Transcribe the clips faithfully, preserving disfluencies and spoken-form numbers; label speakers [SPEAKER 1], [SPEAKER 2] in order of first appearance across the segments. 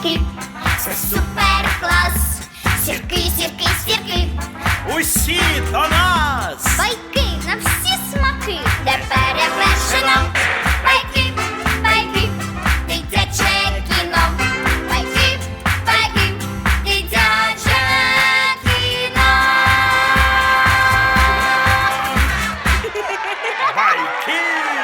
[SPEAKER 1] сірки, це супер клас. Сірки, сірки, сірки,
[SPEAKER 2] Усі до нас!
[SPEAKER 1] байки на всі смаки, де перевершено. Байки, байки, дитяче кіно. Байки, байки, дитяче кіно.
[SPEAKER 2] Байки!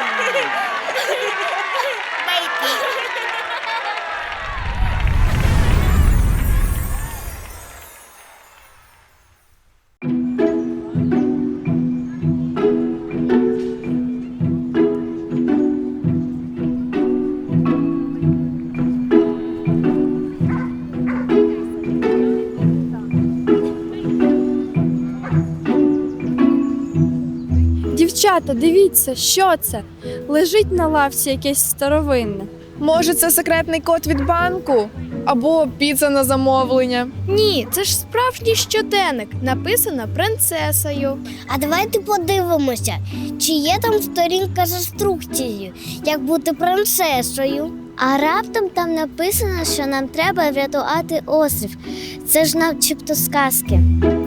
[SPEAKER 3] Дівчата, дивіться, що це? Лежить на лавці якесь старовинне.
[SPEAKER 4] Може, це секретний код від банку? Або піца на замовлення?
[SPEAKER 3] Ні, це ж справжній щоденник, написано принцесою.
[SPEAKER 5] А давайте подивимося, чи є там сторінка з інструкцією, як бути принцесою. А раптом там написано, що нам треба врятувати острів. Це ж начебто сказки.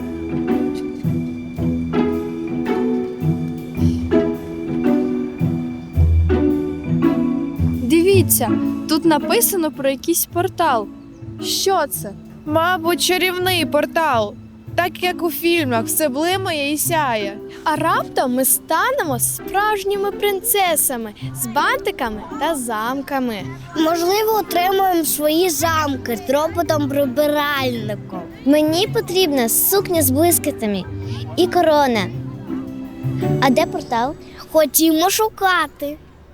[SPEAKER 3] Дивіться, тут написано про якийсь портал. Що це?
[SPEAKER 4] Мабуть, чарівний портал. Так як у фільмах, все блимає і сяє.
[SPEAKER 3] А раптом ми станемо справжніми принцесами з бантиками та замками.
[SPEAKER 5] Можливо, отримаємо свої замки з роботом-прибиральником. Мені потрібна сукня з блискітами і корона. А де портал? Ходімо шукати.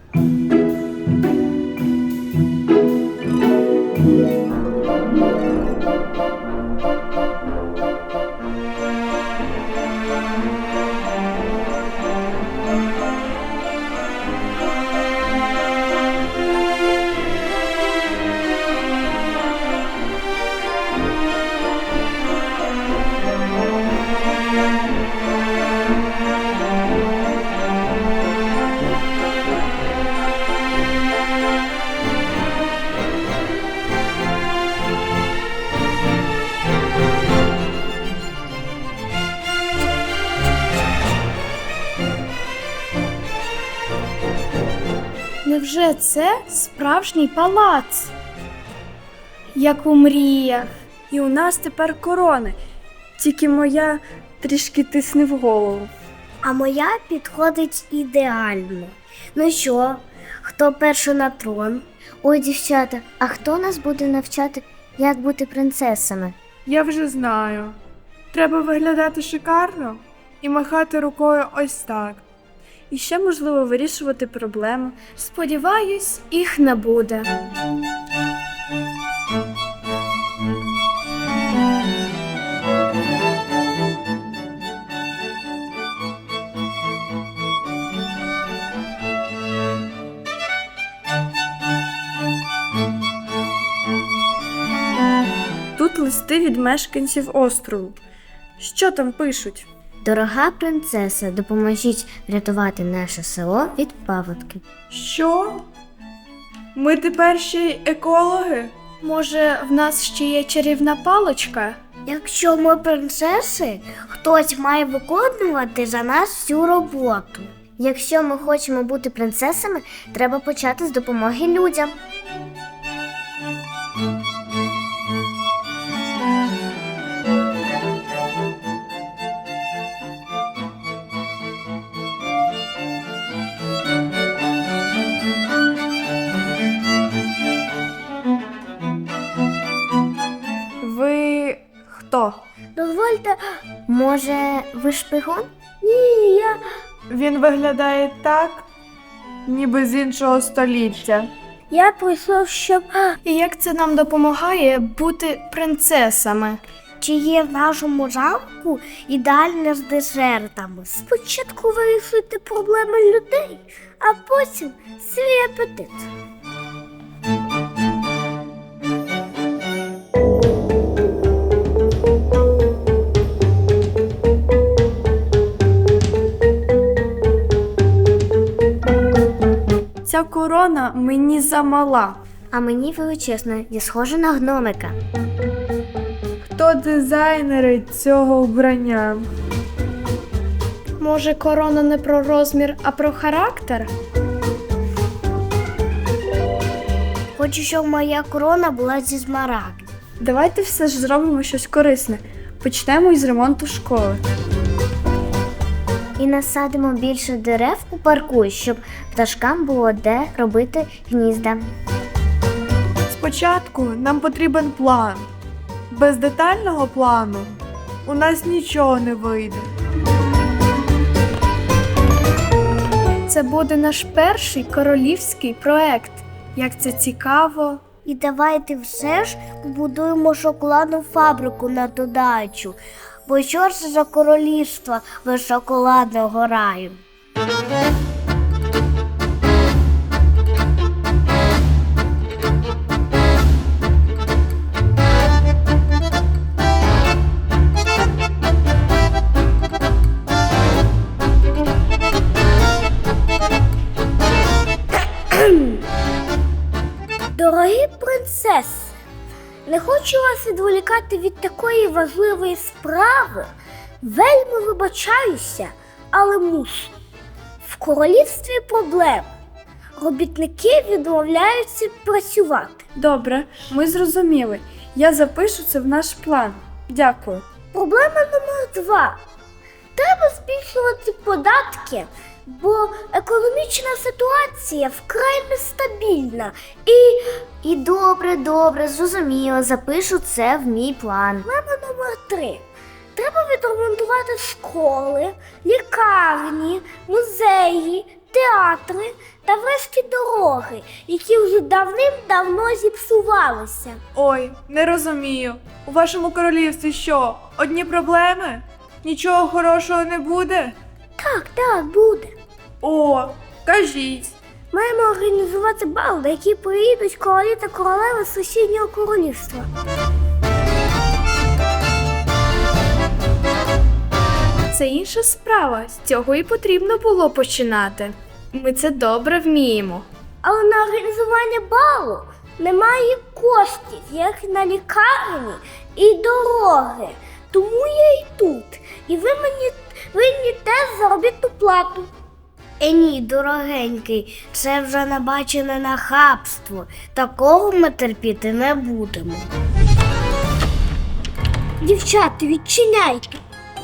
[SPEAKER 3] Невже це справжній палац? Як у мріях. І у нас тепер корони. Тільки моя трішки тисне в голову.
[SPEAKER 5] А моя підходить ідеально. Ну що, хто перший на трон? Ой, дівчата, а хто нас буде навчати, як бути принцесами?
[SPEAKER 4] Я вже знаю. Треба виглядати шикарно і махати рукою ось так.
[SPEAKER 3] І ще можливо вирішувати проблеми. Сподіваюсь, їх не буде. Тут листи від мешканців острову. Що там пишуть?
[SPEAKER 5] Дорога принцеса, допоможіть врятувати наше село від паводків.
[SPEAKER 4] Що? Ми тепер ще й екологи?
[SPEAKER 3] Може, в нас ще є чарівна паличка?
[SPEAKER 5] Якщо ми принцеси, хтось має виконувати за нас всю роботу. Якщо ми хочемо бути принцесами, треба почати з допомоги людям.
[SPEAKER 4] Ви хто?
[SPEAKER 5] Дозвольте, може, ви шпигун? Ні, я...
[SPEAKER 4] Він виглядає так, ніби з іншого століття.
[SPEAKER 5] Я прийшов, щоб...
[SPEAKER 3] І як це нам допомагає бути принцесами?
[SPEAKER 5] Чи є в нашому замку ідеальне з десертами? Спочатку вирішуйте проблеми людей, а потім свій апетит.
[SPEAKER 3] Ця корона мені замала.
[SPEAKER 5] А мені величезно, я схожа на гномика.
[SPEAKER 4] Хто дизайнери цього вбрання?
[SPEAKER 3] Може, корона не про розмір, а про характер?
[SPEAKER 5] Хочу, щоб моя корона була зі смарагдів.
[SPEAKER 3] Давайте все ж зробимо щось корисне. Почнемо із ремонту школи.
[SPEAKER 5] І насадимо більше дерев у парку, щоб пташкам було де робити гнізда.
[SPEAKER 4] Спочатку нам потрібен план. Без детального плану у нас нічого не вийде.
[SPEAKER 3] Це буде наш перший королівський проект. Як це цікаво.
[SPEAKER 5] І давайте все ж побудуємо шоколадну фабрику на додачу. Бо що ж за королівство без шоколадного раю? Дорогі принцеси, не хочу вас відволікати від такої важливої справи. Вельми вибачаюся, але мушу. В королівстві проблем. Робітники відмовляються працювати.
[SPEAKER 3] Добре, ми зрозуміли. Я запишу це в наш план. Дякую.
[SPEAKER 5] Проблема номер два. Треба збільшувати податки, бо економічна ситуація вкрай нестабільна. І, і добре, добре, зрозуміло, запишу це в мій план. Проблема номер три. Треба відремонтувати школи, лікарні, музеї, театри та врешті дороги, які вже давним-давно зіпсувалися.
[SPEAKER 4] Ой, не розумію. У вашому королівстві що, одні проблеми? Нічого хорошого не буде?
[SPEAKER 5] Так, так, буде.
[SPEAKER 4] О, кажіть.
[SPEAKER 5] Маємо організувати бал, на який приїдуть королі та королеви з сусіднього королівства.
[SPEAKER 3] Це інша справа. З цього і потрібно було починати. Ми це добре вміємо.
[SPEAKER 5] Але на організування балу немає коштів, як на лікарні і дороги. Тому я і тут. І ви мені винні теж заробітну плату. Е ні, дорогенький, це вже набачене нахабство. Такого ми терпіти не будемо. Дівчата, відчиняйте.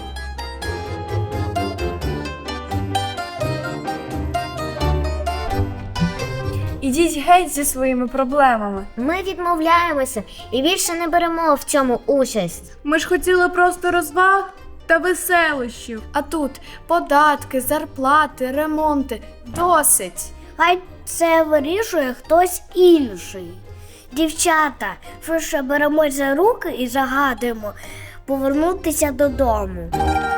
[SPEAKER 3] Ідіть геть зі своїми проблемами.
[SPEAKER 5] Ми відмовляємося і більше не беремо в цьому участь.
[SPEAKER 4] Ми ж хотіли просто розваг та веселощів.
[SPEAKER 3] А тут податки, зарплати, ремонти. Досить.
[SPEAKER 5] Хай це вирішує хтось інший. Дівчата, швидше беремось за руки і загадуємо повернутися додому.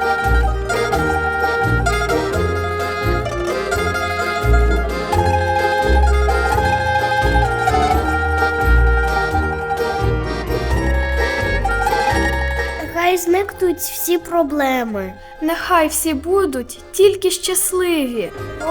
[SPEAKER 5] Хай зникнуть всі проблеми.
[SPEAKER 3] Нехай всі будуть тільки щасливі.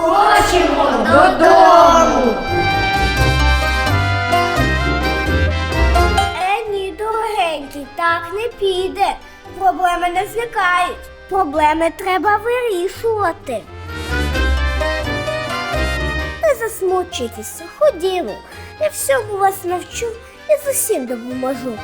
[SPEAKER 5] Е, ні, дорогенький, так не піде. Проблеми не зникають. Проблеми треба вирішувати. Не засмучуйтеся, ходімо. Я всьому вас навчу і з усім допоможу.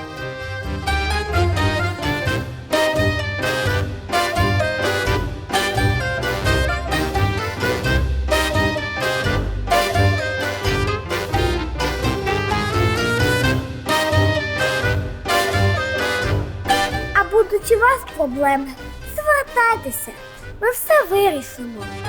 [SPEAKER 5] А будуть у вас проблеми, звертайтеся, ми все вирішимо.